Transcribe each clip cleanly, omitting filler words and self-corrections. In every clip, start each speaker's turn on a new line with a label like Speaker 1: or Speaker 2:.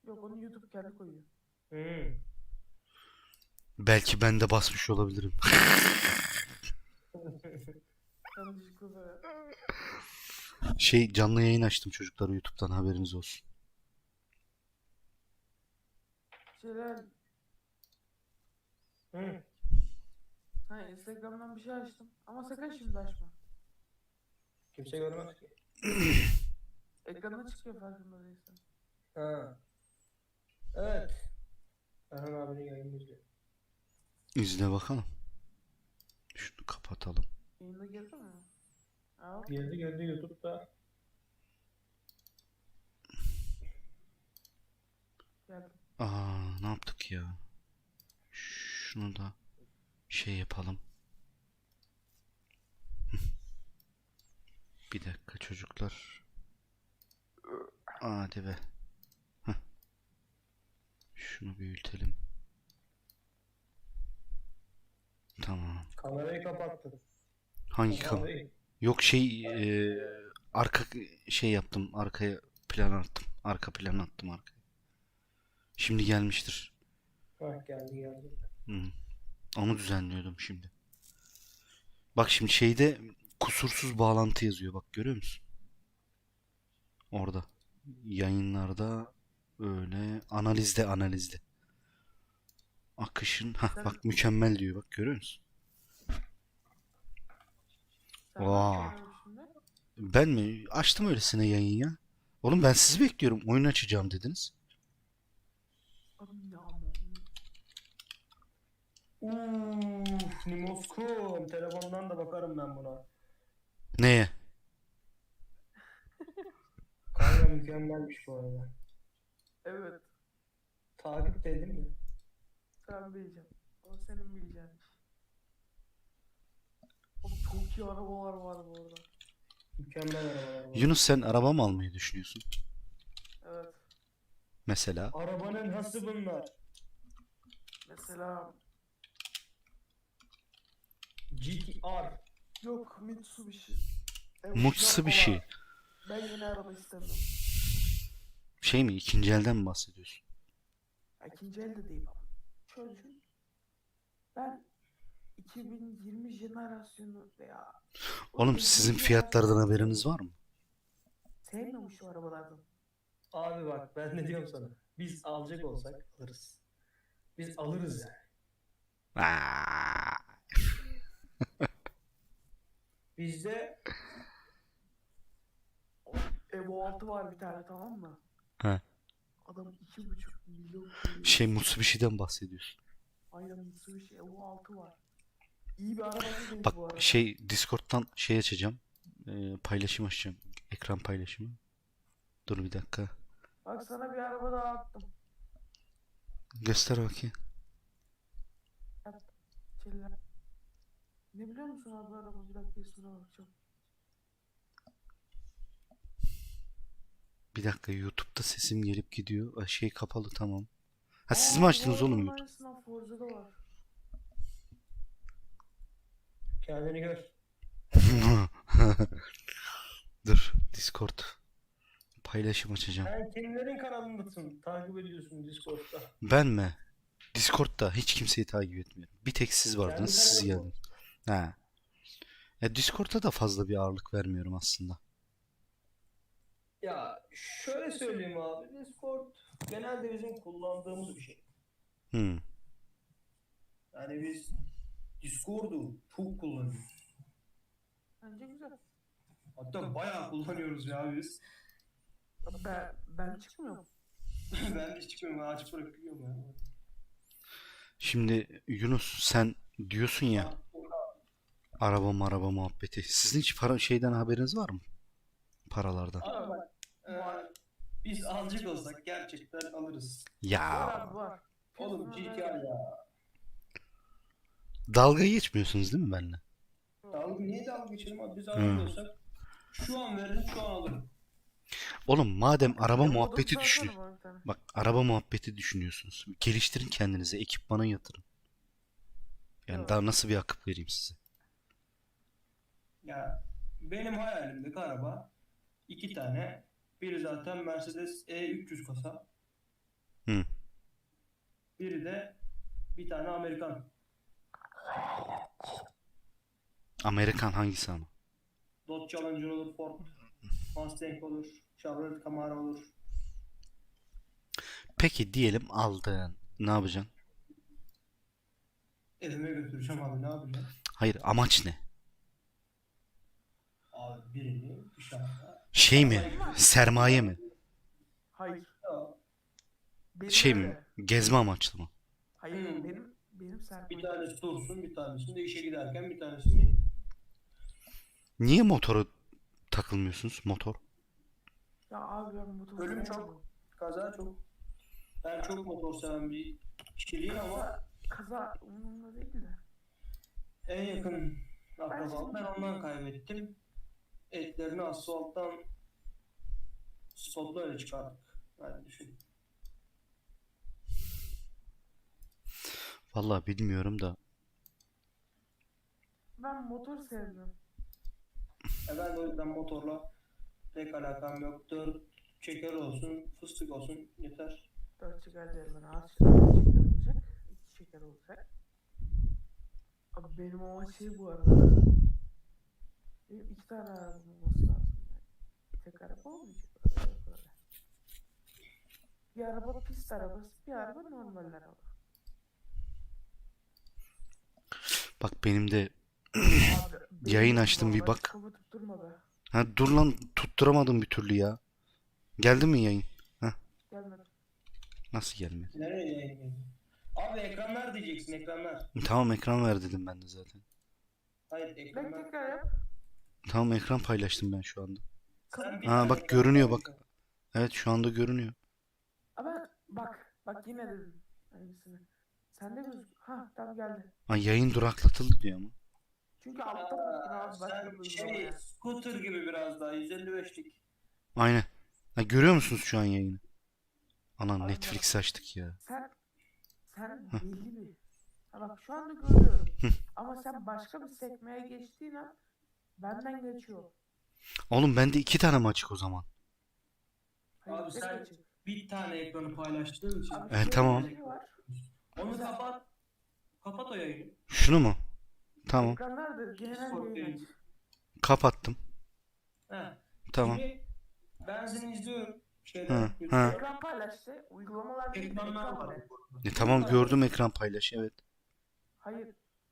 Speaker 1: Yok, onu YouTube kendi koyuyor.
Speaker 2: Hmm.
Speaker 3: Belki ben de basmış olabilirim.
Speaker 1: Yanlışlıkla da
Speaker 3: Canlı yayın açtım çocuklar, YouTube'dan, haberiniz olsun.
Speaker 1: şeyler.
Speaker 2: Hmm.
Speaker 1: Ha, Instagram'dan bir şey açtım. Ama sakın şimdi açma.
Speaker 2: Kimse görmez ki.
Speaker 1: Ekranda çıkıyor farkında değilsen.
Speaker 2: Ha. Evet. Erhan abinin yayını izliyor.
Speaker 3: İzle bakalım. Şunu kapatalım.
Speaker 1: Yayında girdi mi? Aa,
Speaker 2: Girdi YouTube'da.
Speaker 1: geldim.
Speaker 3: Ne yaptık ya? Şunu da yapalım. Bir dakika çocuklar. Hadi be. Heh. Şunu büyütelim. Tamam.
Speaker 2: Kamerayı kapattın.
Speaker 3: Hangi
Speaker 2: Kamerayı.
Speaker 3: Yok arka yaptım. Arkaya plan attım. Arka plan attım arkaya. Şimdi gelmiştir.
Speaker 2: Hah, geldi.
Speaker 3: Hı. Onu düzenliyordum şimdi. Bak şimdi şeyde kusursuz bağlantı yazıyor. Bak görüyor musun? Orada. Yayınlarda öyle. Analizde. Akışın.
Speaker 1: Sen,
Speaker 3: Bak mükemmel diyor. Bak görüyor musun?
Speaker 1: sen
Speaker 3: Vaa.
Speaker 1: ne yapıyorsun şimdi?
Speaker 3: Ben mi? Açtım öylesine yayın ya. Oğlum ben sizi bekliyorum. Oyun açacağım dediniz.
Speaker 1: Abi ne ama.
Speaker 2: Nimoskum. Telefondan da bakarım ben buna.
Speaker 3: Neye?
Speaker 2: Kanka mükemmelmiş bu arada.
Speaker 1: Evet.
Speaker 2: Takip de edin mi?
Speaker 1: Sen bileceksin. O senin bileceğin iş. Oğlum çok iyi arabalar var bu arada.
Speaker 2: Mükemmel arabalar var.
Speaker 3: Yunus, sen araba mı almayı düşünüyorsun?
Speaker 1: Evet.
Speaker 3: Mesela.
Speaker 2: Arabanın hası bunlar.
Speaker 1: Mesela
Speaker 2: GTR.
Speaker 1: yok Mitsubishi.
Speaker 3: Mitsubishi.
Speaker 1: Falan. Ben yeni araba istemiyorum.
Speaker 3: Şey mi? İkinci elden mi bahsediyorsun?
Speaker 1: Ya, İkinci elde değil ama. Şöyle düşün. Ben 2020 jenerasyonu veya
Speaker 3: Oğlum sizin fiyatlardan haberiniz var mı?
Speaker 1: sevmiyorum şu arabalardan.
Speaker 2: Abi bak ben ne diyorum sana. Biz alacak olsak alırız. Biz alırız yani.
Speaker 3: Aa,
Speaker 2: Bizde
Speaker 1: Evo 6 var bir tane, tamam mı?
Speaker 3: He.
Speaker 1: Adam 2,5 milyon koyuyor.
Speaker 3: Mitsubishi'den bahsediyorsun.
Speaker 1: Aynen, Mitsubishi Evo 6 var. İyi bir araba değil
Speaker 3: Bak
Speaker 1: bu arada.
Speaker 3: Discord'dan açacağım. Paylaşım açacağım. Ekran paylaşımı. Dur bir dakika.
Speaker 1: Bak sana bir araba daha attım.
Speaker 3: Göster bakayım.
Speaker 1: Çiller. Ne biliyor musun abi araba? Bir dakika ismine bakacağım.
Speaker 3: Bir dakika, YouTube'da sesim gelip gidiyor. Kapalı, tamam. Ha, siz
Speaker 1: Aa,
Speaker 3: mi
Speaker 1: bu
Speaker 3: açtınız oğlum
Speaker 1: arabanın
Speaker 3: YouTube?
Speaker 1: aynısından Forza'da var.
Speaker 2: kendini gör.
Speaker 3: Dur, Discord paylaşım açacağım.
Speaker 2: Sen kimlerin kanalındasın? Takip ediyorsun Discord'da.
Speaker 3: Ben mi? Discord'da hiç kimseyi takip etmiyorum. Bir tek siz vardınız,
Speaker 2: Kendi
Speaker 3: siz
Speaker 2: kanalın mı?
Speaker 3: geldiniz. Ha. Ya Discord'a da fazla bir ağırlık vermiyorum aslında.
Speaker 2: Ya şöyle söyleyeyim abi. Discord genelde bizim kullandığımız bir şey.
Speaker 3: Hmm.
Speaker 2: Yani biz Discord'u çok kullanıyoruz.
Speaker 1: Bence güzel.
Speaker 2: Hatta bayağı kullanıyoruz ya biz.
Speaker 1: Ben çıkmıyorum.
Speaker 2: Ben de hiç çıkmıyorum. Ben açıp bırakıyorum ya.
Speaker 3: Şimdi Yunus, sen diyorsun ya araba muhabbeti. Sizin hiç şeyden haberiniz var mı? Paralardan.
Speaker 2: Abi bak. Biz alacak olsak gerçekten alırız.
Speaker 1: Var
Speaker 3: Ya
Speaker 1: abi, var.
Speaker 2: Oğlum
Speaker 1: Fiyatına
Speaker 2: GTR
Speaker 1: ver.
Speaker 2: ya.
Speaker 3: dalga geçmiyorsunuz değil mi benimle?
Speaker 2: Niye dalga geçelim abi? Biz
Speaker 3: Hı.
Speaker 2: alacak olsak şu an veririm, şu an alırım.
Speaker 3: Oğlum madem araba
Speaker 1: Evo
Speaker 3: muhabbeti
Speaker 1: 9
Speaker 3: düşünüyor.
Speaker 1: alsana bana bir tane.
Speaker 3: Bak, araba muhabbeti düşünüyorsunuz. Geliştirin kendinize, ekipmana yatırın. Yani
Speaker 1: Evet.
Speaker 3: daha nasıl bir akıp vereyim size?
Speaker 2: Ya benim hayalimdeki araba iki tane. Biri zaten Mercedes E300 kasa.
Speaker 3: Hı.
Speaker 2: Biri de bir tane Amerikan.
Speaker 3: Amerikan hangisi ama?
Speaker 2: Dodge Challenger olur, Ford Mustang olur, Chevrolet Camaro olur.
Speaker 3: Peki diyelim aldın. Ne yapacaksın?
Speaker 2: Evime götüreceğim abi, ne yapacağım?
Speaker 3: Hayır, amaç ne?
Speaker 2: Abi birini dışarıda
Speaker 3: Şey mi?
Speaker 2: arabayı
Speaker 3: Sermaye mi?
Speaker 1: Hayır.
Speaker 2: götürüyor.
Speaker 1: Benim
Speaker 3: Şey mi?
Speaker 1: öyle.
Speaker 3: Gezme amaçlı mı?
Speaker 1: Hayır
Speaker 2: Hmm.
Speaker 1: benim
Speaker 2: Bir
Speaker 1: sermayem.
Speaker 2: tanesi dursun, bir tanesini de işe giderken bir tanesini...
Speaker 3: Niye motora takılmıyorsunuz? Motor.
Speaker 1: Ya abi ben motor
Speaker 2: Ölüm
Speaker 1: sevmiyorum.
Speaker 2: çok, kaza çok. Ben çok motor seven bir kişiliğim ama
Speaker 1: Kaza umurumda değil de.
Speaker 2: en yakın akrabamı ben ondan kaybettim. Etlerini asfalttan spotla öyle çıkardık. Yani düşün.
Speaker 3: Vallahi bilmiyorum da.
Speaker 1: Ben motor sevmiyorum.
Speaker 2: Ben de o yüzden motorla pek alakam yok. 4 çeker olsun, fıstık olsun yeter.
Speaker 1: 4 çeker değil ben ağaç çeker olacak. 2 çeker olacak. Abi benim ama şey bu arada. Benim 2 tane arabam olması lazım yani. Tek araba olmayacak böyle. Bir araba pist arabası, bir araba normal araba.
Speaker 3: Bak benim de
Speaker 1: Abi,
Speaker 3: Yayın
Speaker 1: benim
Speaker 3: açtım, bir
Speaker 1: vallahi
Speaker 3: bak.
Speaker 1: kafa tutturma be.
Speaker 3: ha dur lan, tutturamadım bir türlü ya. Geldi mi yayın?
Speaker 1: Gelmedi.
Speaker 3: Nasıl gelmedi?
Speaker 2: Nereye yayınlayayım? Abi ekranlar diyeceksin, ekranlar.
Speaker 3: Tamam, ekran ver dedim ben de zaten.
Speaker 2: Hayır,
Speaker 1: Ben
Speaker 2: ekranlar.
Speaker 1: tekrar yap.
Speaker 3: Tamam, ekran paylaştım ben şu anda.
Speaker 2: Sen bir
Speaker 3: Ha,
Speaker 2: tane
Speaker 3: bak
Speaker 2: ekran
Speaker 3: görünüyor bak.
Speaker 2: paylaşıyorsun.
Speaker 3: Evet, şu anda görünüyor.
Speaker 1: Ama bak yine dedim. Aynısını. Sen de gözük. Ha tam geldi.
Speaker 3: Ha, yayın duraklatıldı diyor ama.
Speaker 1: Çünkü altta baktın
Speaker 2: Aa,
Speaker 1: abi başka bir
Speaker 2: sen
Speaker 1: uygulamaya.
Speaker 2: scooter gibi biraz daha 155'lik.
Speaker 3: Aynen. Ha, görüyor musunuz şu an yayını? Anan
Speaker 1: Abi
Speaker 3: Netflix açtık ya.
Speaker 1: Sen belli bir. Ha bak şu anda görüyorum. Ama sen başka bir sekmeye geçtiğin an benden geçiyor.
Speaker 3: Oğlum bende 2 tane mi açık o zaman?
Speaker 1: Hayır,
Speaker 2: Abi
Speaker 1: tek
Speaker 2: sen
Speaker 1: açık.
Speaker 2: bir tane ekranı paylaştığın için.
Speaker 1: Abi
Speaker 3: Evet, tamam.
Speaker 1: bir şey var.
Speaker 2: Onu kapat. Kapat o yayını.
Speaker 3: Şunu mu? Tamam.
Speaker 1: Ekranlarda genel yayın aç.
Speaker 3: Kapattım.
Speaker 2: He.
Speaker 3: Tamam.
Speaker 2: Şimdi ben seni izliyorum.
Speaker 3: Hı,
Speaker 2: Şeyden.
Speaker 3: hı.
Speaker 2: YouTube'da.
Speaker 1: Ekran paylaştı. Uygulamalar değil,
Speaker 2: Ekranlar
Speaker 1: ekran
Speaker 2: var.
Speaker 1: net.
Speaker 3: Tamam, gördüm ekran paylaş. Evet.
Speaker 1: Hayır.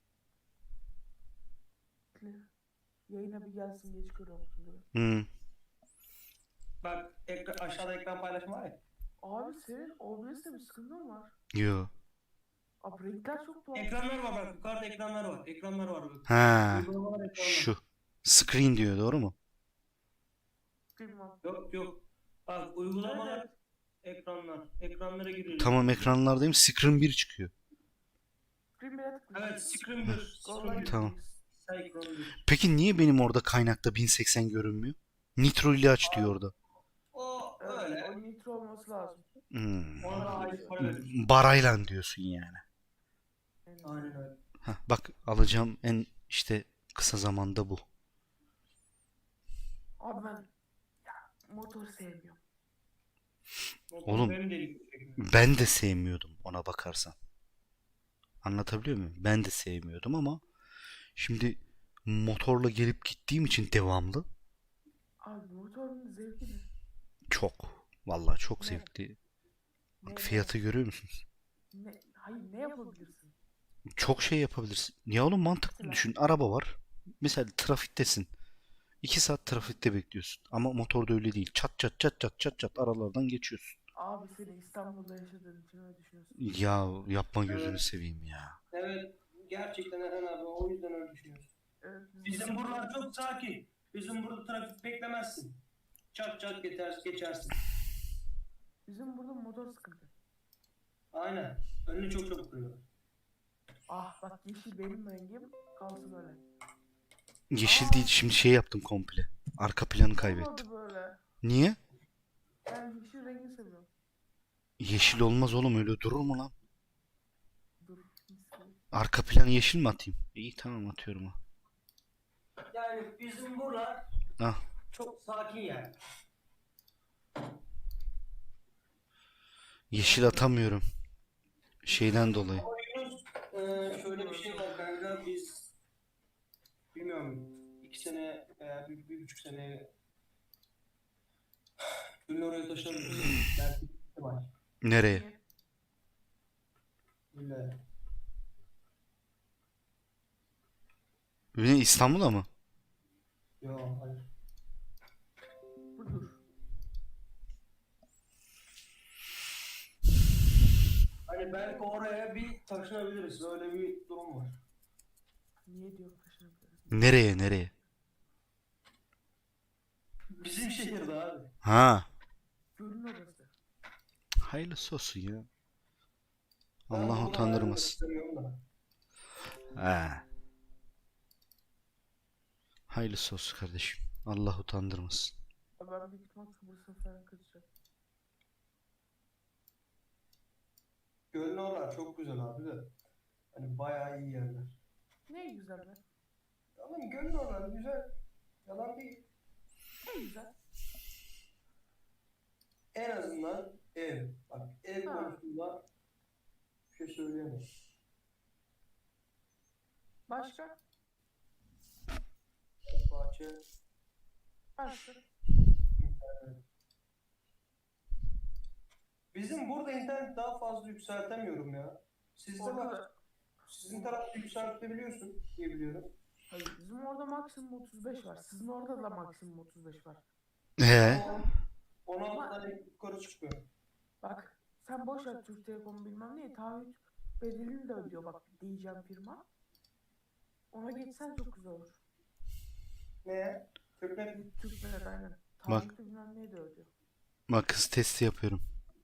Speaker 1: Yayına bir gelsin geç görüyorum.
Speaker 3: Hı.
Speaker 2: Bak aşağıda ekran paylaşma var ya.
Speaker 1: Abi senin OBS'te bir sıkıntın var.
Speaker 3: Yo.
Speaker 1: Abi renkler çok tuhaf.
Speaker 2: Ekranlar var bak. Yukarıda ekranlar var. Ekranlar var bak.
Speaker 3: Ha.
Speaker 2: Uygulamalar ekranlar.
Speaker 3: Şu. Screen diyor, doğru mu?
Speaker 1: Bilmem.
Speaker 2: Yok. Bak uygulamalar
Speaker 1: Evet.
Speaker 2: ekranlar. Ekranlara giriyoruz.
Speaker 3: Tamam, ekranlardayım. Screen 1 çıkıyor.
Speaker 1: Screen bile tıklayın.
Speaker 2: Evet, Screen 1. Screen 1.
Speaker 3: Tamam.
Speaker 2: Screen 1.
Speaker 3: Peki niye benim orada kaynakta 1080 görünmüyor? Nitro ile aç diyor orada.
Speaker 2: O
Speaker 1: Evet,
Speaker 2: öyle.
Speaker 1: o nitro olması lazım.
Speaker 2: Ona da ait para veriyorsun.
Speaker 3: Barayla diyorsun yani.
Speaker 2: Aynen öyle.
Speaker 3: Heh, bak alacağım en işte kısa zamanda bu.
Speaker 1: Abi ben motor sevmiyorum.
Speaker 3: Oğlum,
Speaker 2: Benim de ilgimi çekmiyor.
Speaker 3: Ben de sevmiyordum ona bakarsan. Anlatabiliyor muyum? Ben de sevmiyordum ama şimdi motorla gelip gittiğim için devamlı
Speaker 1: Abi motorun zevki ne?
Speaker 3: çok. Vallahi çok
Speaker 1: Ne?
Speaker 3: zevkli. Bak
Speaker 1: Ne-
Speaker 3: fiyatı görüyor musunuz?
Speaker 1: Hayır ne yapabilirsin?
Speaker 3: Çok şey yapabilirsin. Ya oğlum, mantıklı
Speaker 1: Mesela?
Speaker 3: düşün. Araba var. Mesela trafiktesin. 2 saat trafikte bekliyorsun. Ama motorda öyle değil. Çat çat çat çat çat çat aralardan geçiyorsun.
Speaker 1: Abi seni İstanbul'da yaşadığın için öyle düşünüyorsun.
Speaker 3: Ya yapma, gözünü
Speaker 2: Evet.
Speaker 3: seveyim ya.
Speaker 2: Evet. Gerçekten Eren abi o yüzden öyle düşünüyorsun.
Speaker 1: Evet,
Speaker 2: Bizim buralar çok sakin. Bizim burada trafik beklemezsin. Çat çat geçersin.
Speaker 1: Bizim burada motor sıkıntı.
Speaker 2: Aynen. Önünü çok çabuk kırıyor.
Speaker 1: Ah bak yeşil benim rengim kalsın öyle.
Speaker 3: Yeşil değil, şimdi şey yaptım komple. Arka planı kaybettim.
Speaker 1: Olmadı böyle.
Speaker 3: Niye?
Speaker 1: Ben yeşil rengi seviyorum.
Speaker 3: Yeşil olmaz oğlum, öyle durur mu lan?
Speaker 1: Dur.
Speaker 3: Arka planı yeşil mi atayım? İyi, tamam, atıyorum ha.
Speaker 2: Yani bizim buralar
Speaker 3: Ah.
Speaker 2: çok sakin yani.
Speaker 3: Yeşil atamıyorum. Şeyden dolayı.
Speaker 2: Ama Yunus, şöyle bir şey var kanka, biz bilmiyorum 2 sene veya 1,5 sene Gül'ü oraya taşınabiliriz. Belki ihtimal.
Speaker 3: Nereye?
Speaker 1: Niye?
Speaker 2: Gül'e.
Speaker 3: Ne, İstanbul'a mı?
Speaker 2: Yok hayır.
Speaker 1: Dur.
Speaker 2: Hani belki oraya bir taşınabiliriz. Öyle bir durum var.
Speaker 1: Niye diyorum taşınabilirim?
Speaker 3: Nereye nereye?
Speaker 2: Bizim şehirde abi.
Speaker 3: Ha.
Speaker 1: Gölün orası.
Speaker 3: Hayırlısı olsun ya.
Speaker 2: Ben
Speaker 3: Allah
Speaker 2: buradan ayrılmak
Speaker 3: utandırmasın.
Speaker 2: istemiyorum da.
Speaker 3: Ha. Hayırlısı olsun kardeşim. Allah utandırmasın.
Speaker 1: Ya ben büyük ihtimal Kıbrıs'a falan kaçacağım.
Speaker 2: Gölün oralar çok güzel abi de. Hani bayağı iyi yerler.
Speaker 1: Ne güzel be.
Speaker 2: Tamam, gölün oralar güzel. Yalan değil.
Speaker 1: Ne güzel.
Speaker 2: En azından ev. Bak, ev
Speaker 1: Ha.
Speaker 2: konusunda bir şey söyleyemem.
Speaker 1: Başka?
Speaker 2: Bahçe.
Speaker 1: Başka?
Speaker 2: Bizim burada internet daha fazla yükseltemiyorum ya. Sizde
Speaker 1: Orada
Speaker 2: var.
Speaker 1: da.
Speaker 2: Sizin tarafta yükseltebiliyorsun diye biliyorum.
Speaker 1: Hayır, bizim orada maksimum 35 var. Sizin orada da maksimum 35 var.
Speaker 2: Ama 16 tane yukarı çıkıyor.
Speaker 1: Bak, sen boş ver Türk Telekom bilmem ne, taahhüt bedelini de ödüyor bak diyeceğim firma. Ona geçsen çok güzel olur.
Speaker 2: Ne? Türknet.
Speaker 1: Türkler aynen.
Speaker 3: Bak.
Speaker 1: Taahhüt bilmem ne de ödüyor.
Speaker 3: Bak, kız testi yapıyorum.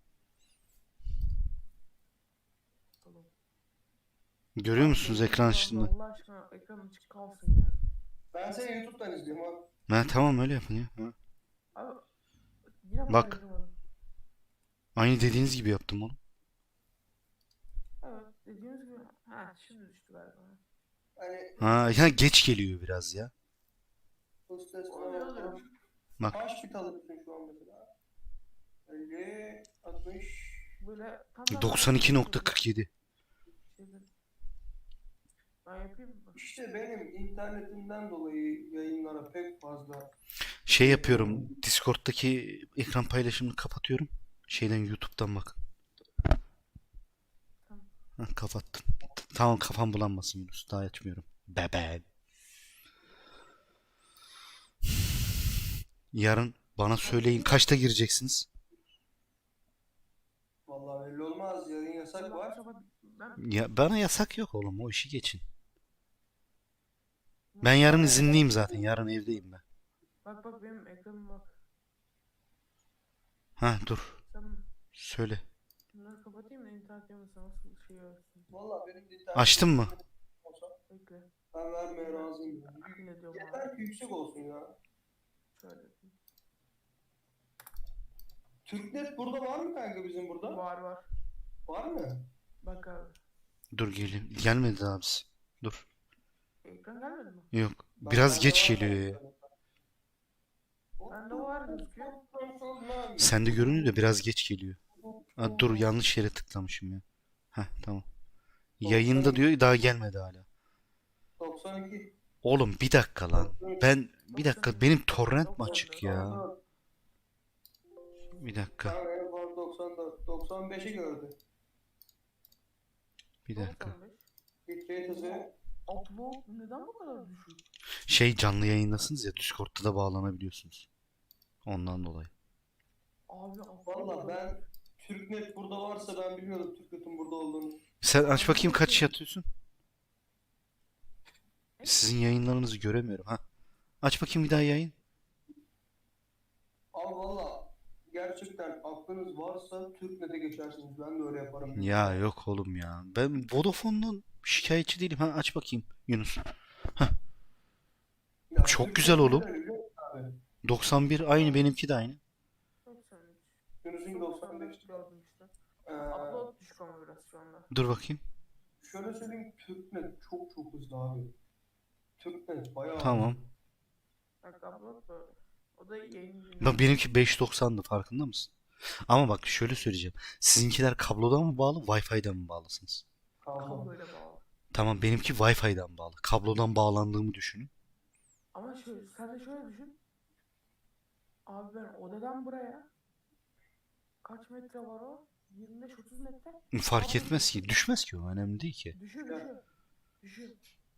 Speaker 1: Tamam.
Speaker 3: Görüyor musunuz ekran açtığında?
Speaker 1: Allah aşkına ekran açık kalsın ya.
Speaker 2: Ben seni YouTube'dan izliyorum abi.
Speaker 3: Ha, tamam öyle yapın ya. Ha.
Speaker 1: Abi yine bana
Speaker 3: Bak.
Speaker 1: ayıramadım.
Speaker 3: Aynı dediğiniz gibi yaptım onu.
Speaker 1: Evet dediğiniz gibi. Ha şimdi düştü galiba.
Speaker 2: Hani
Speaker 3: Ha, ya geç geliyor biraz ya.
Speaker 2: hostes
Speaker 1: Oluyor, oluyor.
Speaker 3: Bak.
Speaker 2: Kaç bit alıyorsun şu an mesela? 50, 60.
Speaker 1: Böyle tam
Speaker 3: 92.47.
Speaker 1: Ben yapayım mı?
Speaker 2: İşte benim internetimden dolayı yayınlara pek fazla
Speaker 3: Şey yapıyorum. Discord'daki ekran paylaşımını kapatıyorum. Şeyden, YouTube'dan bak.
Speaker 1: Tamam.
Speaker 3: Ha, kapattım. Tamam, kafam bulanmasın Yunus. Daha açmıyorum. Bebe. Yarın bana söyleyin, kaçta gireceksiniz?
Speaker 2: vallahi belli olmaz. Yarın yasak var.
Speaker 1: Ben
Speaker 3: Ya bana yasak yok oğlum, o işi geçin. Ben yarın izinliyim zaten. Yarın evdeyim ben.
Speaker 1: bak benim ekranım bak.
Speaker 3: Ha, dur.
Speaker 1: Sen
Speaker 3: Söyle.
Speaker 1: bunları kapatayım da internet yanılsa nasıl şey olsun.
Speaker 2: Vallahi benim de internet
Speaker 3: Açtın mı?
Speaker 2: olsa
Speaker 1: Bekle.
Speaker 2: ben vermeye razıyım.
Speaker 1: Ne diyorum abi?
Speaker 2: Yeter ki yüksek olsun ya.
Speaker 1: Şöyle.
Speaker 2: Türknet burada var mı kanka, bizim burada?
Speaker 1: Var.
Speaker 2: Var mı?
Speaker 1: Bak abi.
Speaker 3: Dur, gelin. Gelmedi daha abisi. Dur.
Speaker 1: Ekran gelmedi mi?
Speaker 3: Yok.
Speaker 2: Bak,
Speaker 3: Biraz
Speaker 2: bende
Speaker 3: geç
Speaker 2: var
Speaker 3: geliyor ya.
Speaker 2: kanka.
Speaker 1: Bende var gözüküyor.
Speaker 3: Sende görünüyor da biraz geç geliyor. Ha, dur, yanlış yere tıklamışım ya. Heh, tamam. Yayında diyor, daha gelmedi hala.
Speaker 2: 92.
Speaker 3: Oğlum bir dakika lan. Bir dakika, benim torrent mi açık ya?
Speaker 2: 94.
Speaker 3: Bir dakika.
Speaker 2: Tamam, en fazla 94. 95'i gördü.
Speaker 3: Bir dakika.
Speaker 1: 95.
Speaker 2: Bitrate hızı.
Speaker 1: Upload neden bu kadar düşük?
Speaker 3: Şey, canlı yayındasınız ya, Discord'da da bağlanabiliyorsunuz. Ondan dolayı.
Speaker 1: Abi upload.
Speaker 2: Valla ben Türknet burada varsa ben bilmiyordum Türknet'in burada olduğunu.
Speaker 3: Sen aç bakayım, kaç yatıyorsun? Sizin yayınlarınızı göremiyorum ha. Aç bakayım bir daha yayın.
Speaker 2: Abi valla gerçekten aklınız varsa Türknet'e geçersiniz. Ben de öyle yaparım.
Speaker 3: Ya yok oğlum ya. Ben Vodafone'dan şikayetçi değilim. Ha, aç bakayım Yunus.
Speaker 2: Ya
Speaker 3: Çok
Speaker 2: Türknet
Speaker 3: güzel oğlum.
Speaker 2: neden biliyor musun abi?
Speaker 3: 91 aynı, benimki de aynı.
Speaker 1: 93.
Speaker 2: Yunus'un 95.
Speaker 1: gördüm işte.
Speaker 2: Ee,
Speaker 1: Upload düşük ama biraz şu anda.
Speaker 3: Dur bakayım.
Speaker 2: şöyle söyleyeyim, Türknet çok hızlı abi. Türknet bayağı
Speaker 3: Tamam.
Speaker 2: hızlı.
Speaker 1: Bak upload böyle. O da yayın
Speaker 3: Bak, benimki 5.90'dı, farkında mısın? Ama bak şöyle söyleyeceğim. Sizinkiler kablodan mı bağlı, Wi-Fi'den mi bağlısınız?
Speaker 2: Kablo.
Speaker 1: Kabloyla bağlı.
Speaker 3: Tamam, benimki Wi-Fi'den bağlı. Kablodan bağlandığımı düşünün.
Speaker 1: Ama şöyle, sen de şöyle düşün. Abi ben odadan buraya kaç metre var o? 25-30 metre.
Speaker 3: Fark
Speaker 1: Kablo
Speaker 3: etmez ki. Düşmez ki o. Önemli değil ki.
Speaker 1: Düşüyor.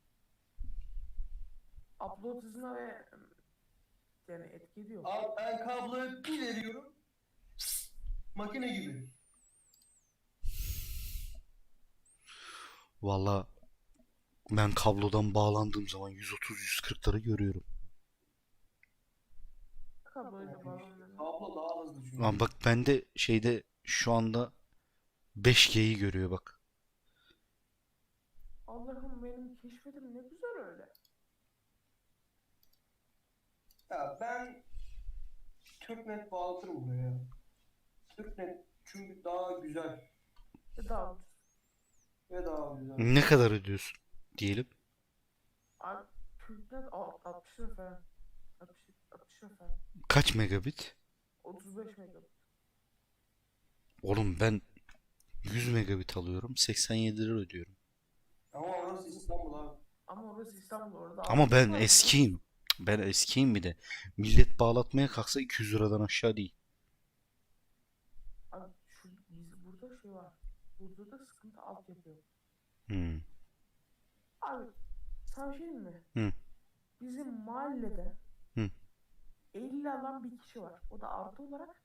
Speaker 1: Upload hızına ve yani etki ediyor.
Speaker 2: Abi ben kabloyu bir veriyorum. Makine gibi.
Speaker 3: Valla ben kablodan bağlandığım zaman 130-140'ları görüyorum.
Speaker 1: Kabloyla bağlanıyor.
Speaker 2: Kablo daha hızlı çünkü.
Speaker 3: Lan bak bende şeyde şu anda 5G'yi görüyor bak.
Speaker 1: Allah'ım benim keşfetim ne güzel öyle.
Speaker 2: Ya ben Türknet bağlatırım buraya. Türknet çünkü daha güzel
Speaker 1: Daha ucuz.
Speaker 2: ve daha güzel.
Speaker 3: Ne kadar ödüyorsun diyelim.
Speaker 1: Abi Türknet 60 lira falan. 60 lira falan.
Speaker 3: Kaç megabit?
Speaker 1: 35 megabit.
Speaker 3: Oğlum ben 100 megabit alıyorum. 87 lira ödüyorum.
Speaker 2: Ama orası İstanbul abi.
Speaker 1: Ama orası İstanbul, orada
Speaker 3: Ama
Speaker 1: 60
Speaker 3: ben
Speaker 1: var.
Speaker 3: eskiyim. Ben eskiyim bir de. Millet bağlatmaya kalksa 200 liradan aşağı değil.
Speaker 1: Abi biz burada şey var. Burada da sıkıntı altyapı yok.
Speaker 3: Hmm.
Speaker 1: Abi sana bir şey diyeyim mi?
Speaker 3: Hı.
Speaker 1: Bizim mahallede
Speaker 3: Hı.
Speaker 1: 50 alan bir kişi var. O da artı olarak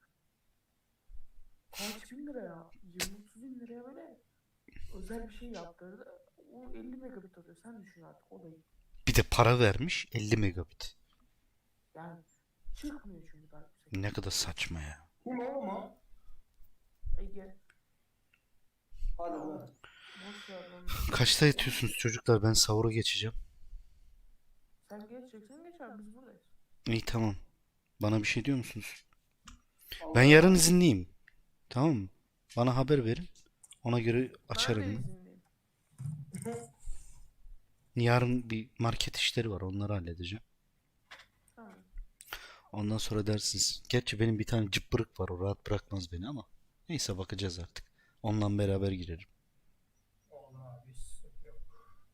Speaker 1: kaç bin lira ya? 20-30 bin liraya böyle özel bir şey yaptırdı. O 50 megabit alıyor. Sen düşün artık olayı.
Speaker 3: Bir de para vermiş 50 megabit.
Speaker 1: Yani çıkmıyor çünkü daha yüksek.
Speaker 3: Ne kadar saçma ya.
Speaker 2: Kim o mu?
Speaker 1: Ege.
Speaker 2: Hadi
Speaker 1: Ya,
Speaker 2: be.
Speaker 1: boş ver lan.
Speaker 3: Kaçta yatıyorsunuz çocuklar? Ben sahura geçeceğim.
Speaker 1: Sen geçeceksin geç abi, biz buradayız.
Speaker 3: İyi tamam. Bana bir şey diyor musunuz?
Speaker 2: Allah
Speaker 3: Ben yarın izinliyim. Tamam mı? Bana haber verin. Ona göre
Speaker 1: Ben de
Speaker 3: açarım.
Speaker 1: izinliyim.
Speaker 3: Yarın bir market işleri var. Onları halledeceğim.
Speaker 1: Tamam.
Speaker 3: Ondan sonra dersiniz. Gerçi benim bir tane cıppırık var. O rahat bırakmaz beni ama. Neyse bakacağız artık. Onunla beraber girerim.
Speaker 2: Allah abi, sıkıntı yok.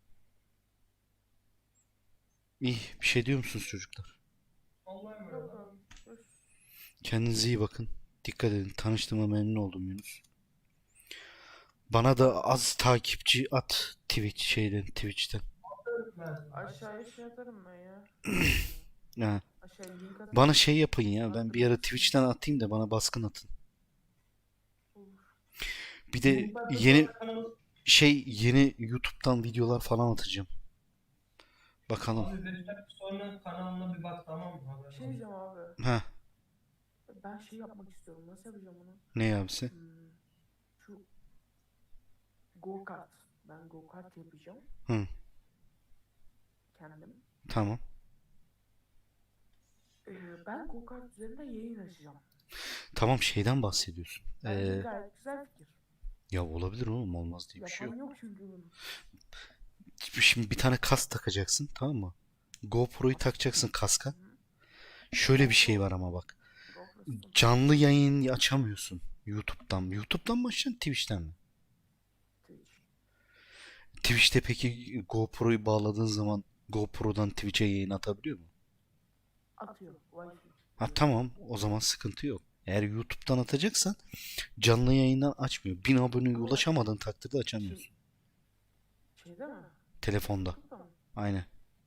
Speaker 3: İyi. Bir şey diyor musunuz çocuklar?
Speaker 2: Allah'a emanet
Speaker 1: Yok
Speaker 2: ol.
Speaker 1: abi. Görüşürüz.
Speaker 3: Kendinize iyi bakın. Dikkat edin. Tanıştığıma memnun oldum Yunus. Bana da az takipçi at Twitch'ten.
Speaker 2: Ben-
Speaker 1: Aşağıya şey atarım ben ya.
Speaker 3: Ha.
Speaker 1: Aşağıya link atarım.
Speaker 3: Bana şey yapın ya. Ben bir ara Twitch'ten atayım da bana baskın atın.
Speaker 1: Olur.
Speaker 3: Bir de yeni YouTube'dan videolar falan atacağım. Bakalım.
Speaker 2: Abi Recep sonra kanalına bir bak, tamam mı? Haberin
Speaker 1: Bir şey
Speaker 2: olsun.
Speaker 1: diyeceğim abi.
Speaker 3: Ha,
Speaker 1: Ben şey yapmak istiyorum. Nasıl yapacağım onu?
Speaker 3: ne abisi?
Speaker 1: Şu go kart. Ben go kart yapacağım.
Speaker 3: Hı,
Speaker 1: Kendim.
Speaker 3: tamam.
Speaker 1: Ben go kart üzerinde yayın açacağım.
Speaker 3: Tamam şeyden bahsediyorsun.
Speaker 1: Bence gayet güzel fikir.
Speaker 3: Ya olabilir oğlum olmaz diye bir şey
Speaker 1: Yapan
Speaker 3: yok.
Speaker 1: yok çünkü bunu.
Speaker 3: Şimdi bir tane kask takacaksın tamam mı? GoPro'yu takacaksın kaska.
Speaker 1: Hı.
Speaker 3: Şöyle bir şey var ama bak.
Speaker 1: GoPro sıkıntı.
Speaker 3: Canlı yayın açamıyorsun YouTube'dan. YouTube'dan mı açacaksın Twitch'ten mi?
Speaker 1: Twitch.
Speaker 3: Twitch'te peki GoPro'yu bağladığın zaman GoPro'dan Twitch'e yayın atabiliyor mu?
Speaker 1: Atıyor. Wi-Fi.
Speaker 3: Ha tamam o zaman sıkıntı yok. Eğer YouTube'dan atacaksan canlı yayından açmıyor. 1000 aboneye ulaşamadığın takdirde açamıyorsun.
Speaker 1: Şey değil mi?
Speaker 3: Telefonda.
Speaker 1: Burada mı?
Speaker 3: Aynen.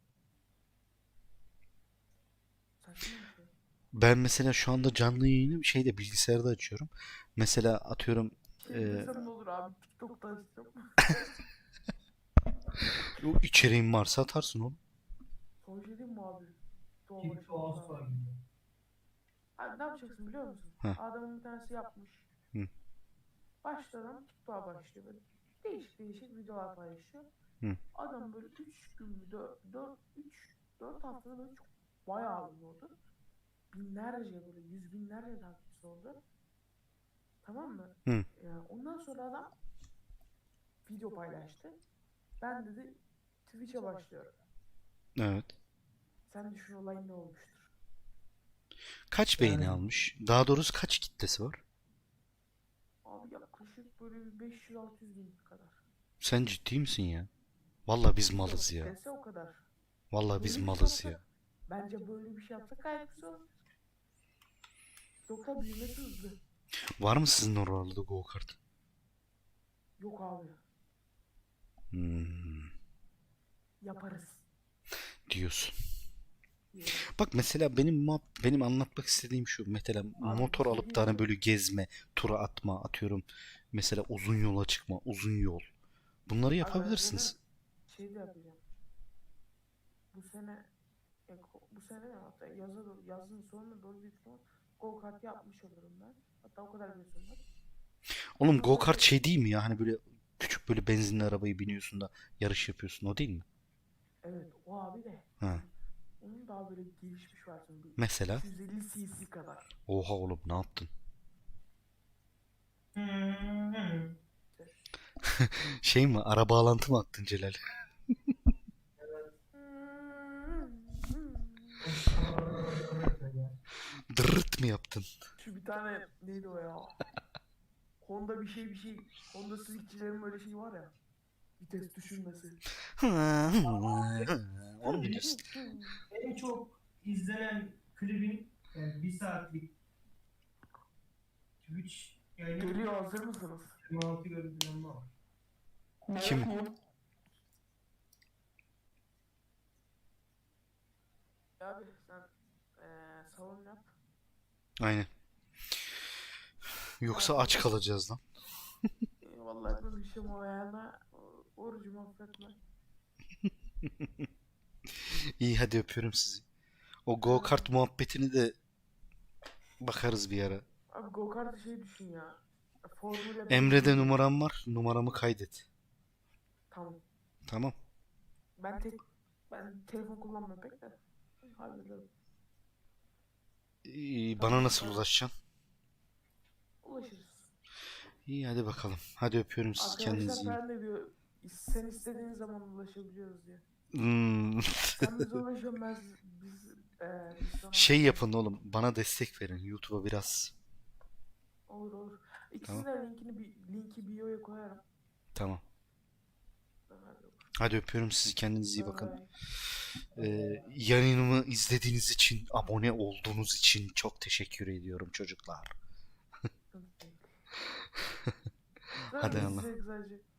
Speaker 1: Saçma bir şey.
Speaker 3: Ben mesela şu anda canlı yayını bilgisayarda açıyorum. Mesela atıyorum
Speaker 1: Şey desem ne olur abi? TikTok'ta açacağım.
Speaker 3: o içeriğin varsa atarsın oğlum.
Speaker 1: Son şey diyeyim mi abi?
Speaker 2: TikTok asla gibi.
Speaker 1: Abi ne yapacaksın biliyor musun?
Speaker 3: Heh.
Speaker 1: Adamın bir tanesi yapmış.
Speaker 3: Hı.
Speaker 1: Başladan TikTok'a başlıyor. Böyle değişik değişik videolar paylaşıyor.
Speaker 3: Hı.
Speaker 1: Adam böyle 3 gün, 4 haftada böyle çok bayağı ünlü oldu. Binlerce böyle yüz binlerce takipçisi oldu. Tamam mı?
Speaker 3: Hı.
Speaker 1: Ondan sonra adam video paylaştı. Ben dedi Twitch'e başlıyorum.
Speaker 3: Evet.
Speaker 1: Sen düşün olay ne olmuştur.
Speaker 3: Kaç beğeni almış? Daha doğrusu kaç kitlesi var?
Speaker 1: yaklaşık böyle bir 500-600 bin kadar.
Speaker 3: Sen ciddi misin ya? Vallahi biz malız ya.
Speaker 1: Dese o kadar.
Speaker 3: Vallahi biz
Speaker 1: Böyle bir şey
Speaker 3: malız ya.
Speaker 1: yapsak, bence böyle bir şey yapsak gayet güzel olur. Yoksa büyümesi hızlı.
Speaker 3: Var mı sizin oralarda go kart?
Speaker 1: Yok abi.
Speaker 3: Hmm,
Speaker 1: Yaparız.
Speaker 3: diyorsun.
Speaker 1: Diyorum.
Speaker 3: Bak mesela benim anlatmak istediğim şu. Mesela motor
Speaker 1: bir şey
Speaker 3: alıp da
Speaker 1: diyeyim
Speaker 3: hani
Speaker 1: mi?
Speaker 3: böyle gezme, tura atma, atıyorum. Mesela uzun yola çıkma, uzun yol. Bunları
Speaker 1: Abi ben
Speaker 3: yapabilirsiniz.
Speaker 1: zaten şey de yapacağım. Bu sene bu sene ne hatta yazın sonuna doğru büyük ihtimal go kart yapmış olurum ben. Hatta o kadar bile sürmez.
Speaker 3: Oğlum
Speaker 1: Ondan
Speaker 3: go
Speaker 1: sonra
Speaker 3: kart şey değil mi ya? Hani böyle küçük böyle benzinli arabayı biniyorsun da yarış yapıyorsun. O değil mi?
Speaker 1: evet o abi de
Speaker 3: Ha.
Speaker 1: onun daha böyle gelişmiş versiyonu bir
Speaker 3: Mesela.
Speaker 1: 250 cc kadar.
Speaker 3: Oha oğlum ne yaptın?
Speaker 1: İşte.
Speaker 3: Şey mi? Ara bağlantı mı attın Celal? Dırırt mı yaptın?
Speaker 1: Şu bir tane neydi o ya? Honda bir şey. Honda Civic'çilerin böyle şeyi var ya. Vites düşürmesi.
Speaker 3: Onu biliyorsun.
Speaker 2: En çok izlenen klibin yani 1 saatlik Twitch yayını
Speaker 1: Geliyor, hazır mısınız?
Speaker 2: 26 görüntülenme var.
Speaker 3: Kim?
Speaker 1: Abi sen salon yap.
Speaker 3: Aynen. Yoksa aç kalacağız lan.
Speaker 1: Vallahi konuşacağım o ayağına. Orucumu affetme.
Speaker 3: İyi hadi öpüyorum sizi. O go kart muhabbetini de bakarız bir ara.
Speaker 1: Abi go kartı şey düşün ya. Formula 1
Speaker 3: Emre'de
Speaker 1: gibi.
Speaker 3: numaram var. Numaramı kaydet.
Speaker 1: Tamam.
Speaker 3: Tamam.
Speaker 1: Ben telefon kullanmıyorum pek de. Hallederim.
Speaker 3: Bana nasıl ulaşacaksın?
Speaker 1: Ulaşırız.
Speaker 3: İyi hadi bakalım. Hadi öpüyorum sizi. Kendinize
Speaker 1: Arkadaşlar
Speaker 3: iyi.
Speaker 1: falan da diyor. Sen istediğin zaman ulaşabiliyoruz diye.
Speaker 3: Hmm.
Speaker 1: Sen bize ulaşıyorsun biz sana
Speaker 3: Şey yapın oğlum. Bana destek verin. YouTube'a biraz.
Speaker 1: olur. İkisinin
Speaker 3: Tamam.
Speaker 1: de linki bio'ya koyarım.
Speaker 3: Tamam.
Speaker 1: Hadi
Speaker 3: Hadi öpüyorum sizi. Kendinize iyi
Speaker 1: bay
Speaker 3: bakın.
Speaker 1: bay.
Speaker 3: Yayınımı izlediğiniz için, abone olduğunuz için çok teşekkür ediyorum çocuklar.
Speaker 1: Sıkıntı değil.
Speaker 3: Hadi
Speaker 1: Zaten
Speaker 3: Allah.
Speaker 1: size sadece